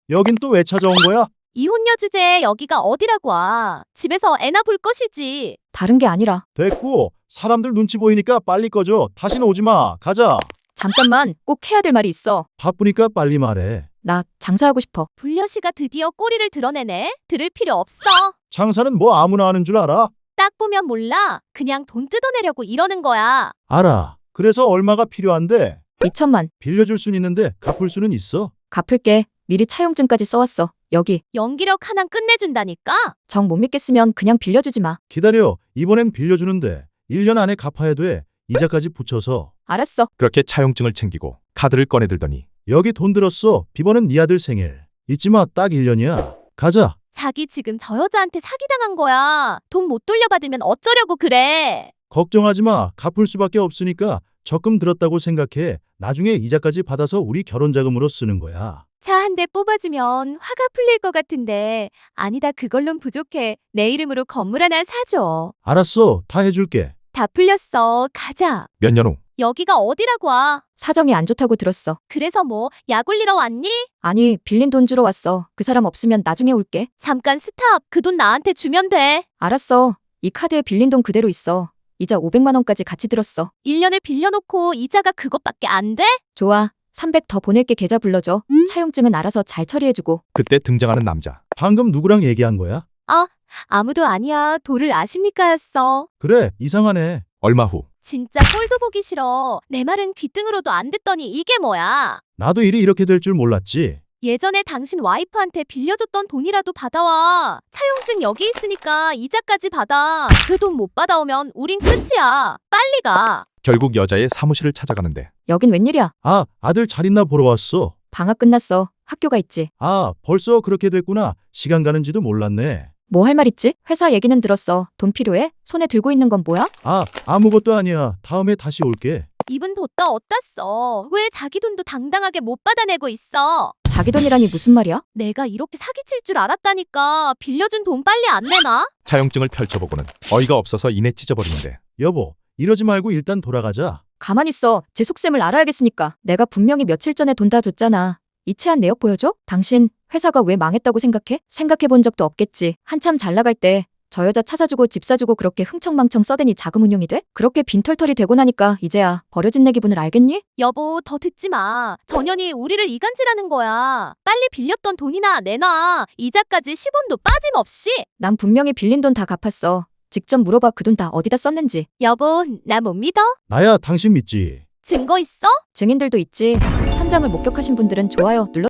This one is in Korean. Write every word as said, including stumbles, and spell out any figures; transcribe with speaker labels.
Speaker 1: 여긴 또 왜 찾아온 거야?
Speaker 2: 이혼녀 주제에 여기가 어디라고 와. 집에서 애나 볼 것이지.
Speaker 3: 다른 게 아니라.
Speaker 1: 됐고, 사람들 눈치 보이니까 빨리 꺼져. 다시는 오지 마. 가자.
Speaker 3: 잠깐만, 꼭 해야 될 말이 있어.
Speaker 1: 바쁘니까 빨리 말해.
Speaker 3: 나 장사하고 싶어.
Speaker 2: 불려씨가 드디어 꼬리를 드러내네. 들을 필요 없어.
Speaker 1: 장사는 뭐 아무나 하는 줄 알아?
Speaker 2: 딱 보면 몰라. 그냥 돈 뜯어내려고 이러는 거야.
Speaker 1: 알아. 그래서 얼마가 필요한데?
Speaker 3: 이천만.
Speaker 1: 빌려줄 순 있는데 갚을 수는 있어.
Speaker 3: 갚을게. 미리 차용증까지 써왔어. 여기.
Speaker 2: 연기력 하나 끝내준다니까?
Speaker 3: 정 못 믿겠으면 그냥 빌려주지 마.
Speaker 1: 기다려. 이번엔 빌려주는데 일 년 안에 갚아야 돼. 이자까지 붙여서.
Speaker 3: 알았어.
Speaker 4: 그렇게 차용증을 챙기고 카드를 꺼내들더니
Speaker 1: 여기 돈 들었어. 비번은 네 아들 생일. 잊지 마. 딱 일 년이야. 가자.
Speaker 2: 자기 지금 저 여자한테 사기당한 거야. 돈 못 돌려받으면 어쩌려고 그래.
Speaker 1: 걱정하지 마. 갚을 수밖에 없으니까 적금 들었다고 생각해. 나중에 이자까지 받아서 우리 결혼 자금으로 쓰는 거야.
Speaker 2: 차 한 대 뽑아주면 화가 풀릴 것 같은데 아니다 그걸론 부족해. 내 이름으로 건물 하나 사줘.
Speaker 1: 알았어. 다 해줄게.
Speaker 2: 다 풀렸어. 가자.
Speaker 4: 몇 년 후
Speaker 2: 여기가 어디라고 와.
Speaker 3: 사정이 안 좋다고 들었어.
Speaker 2: 그래서 뭐 약 올리러 왔니?
Speaker 3: 아니, 빌린 돈 주러 왔어. 그 사람 없으면 나중에 올게.
Speaker 2: 잠깐 스탑. 그 돈 나한테 주면 돼.
Speaker 3: 알았어. 이 카드에 빌린 돈 그대로 있어. 이자 오백만 원까지 같이 들었어.
Speaker 2: 일 년을 빌려놓고 이자가 그것밖에 안 돼?
Speaker 3: 좋아. 삼백 더 보낼게. 계좌 불러줘. 차용증은 알아서 잘 처리해주고.
Speaker 4: 그때 등장하는 남자.
Speaker 1: 방금 누구랑 얘기한 거야?
Speaker 2: 아무도 아니야. 도를 아십니까였어.
Speaker 1: 그래. 이상하네.
Speaker 4: 얼마 후
Speaker 2: 진짜 꼴도 보기 싫어. 내 말은 귀등으로도 안 듣더니 이게 뭐야.
Speaker 1: 나도 일이 이렇게 될 줄 몰랐지.
Speaker 2: 예전에 당신 와이프한테 빌려줬던 돈이라도 받아와. 차용증 여기 있으니까 이자까지 받아. 그 돈 못 받아오면 우린 끝이야. 빨리 가.
Speaker 4: 결국 여자의 사무실을 찾아가는데
Speaker 3: 여긴 웬일이야?
Speaker 1: 아, 아들 잘 있나 보러 왔어.
Speaker 3: 방학 끝났어. 학교가 있지.
Speaker 1: 아, 벌써 그렇게 됐구나. 시간 가는지도 몰랐네.
Speaker 3: 뭐 할 말 있지? 회사 얘기는 들었어. 돈 필요해? 손에 들고 있는 건 뭐야?
Speaker 1: 아, 아무것도 아니야. 다음에 다시 올게.
Speaker 2: 입은 뒀다 얻다 써. 왜 자기 돈도 당당하게 못 받아내고 있어?
Speaker 3: 자기 돈이라니 무슨 말이야?
Speaker 2: 내가 이렇게 사기칠 줄 알았다니까. 빌려준 돈 빨리 안 내놔?
Speaker 4: 차용증을 펼쳐보고는 어이가 없어서 이내 찢어버리는데
Speaker 1: 여보, 이러지 말고 일단 돌아가자.
Speaker 3: 가만히 있어. 제 속셈을 알아야겠으니까. 내가 분명히 며칠 전에 돈 다 줬잖아. 이체한 내역 보여줘? 당신 회사가 왜 망했다고 생각해? 생각해 본 적도 없겠지. 한참 잘 나갈 때 저 여자 차 사주고 집 사주고 그렇게 흥청망청 써대니 자금 운용이 돼? 그렇게 빈털털이 되고 나니까 이제야 버려진 내 기분을 알겠니?
Speaker 2: 여보, 더 듣지 마. 전현이 우리를 이간질하는 거야. 빨리 빌렸던 돈이나 내놔. 이자까지 십 원도 빠짐없이.
Speaker 3: 난 분명히 빌린 돈 다 갚았어. 직접 물어봐. 그 돈 다 어디다 썼는지.
Speaker 2: 여보, 나 못 믿어?
Speaker 1: 나야 당신 믿지.
Speaker 2: 증거 있어?
Speaker 3: 증인들도 있지. 현장을 목격하신 분들은 좋아요 눌러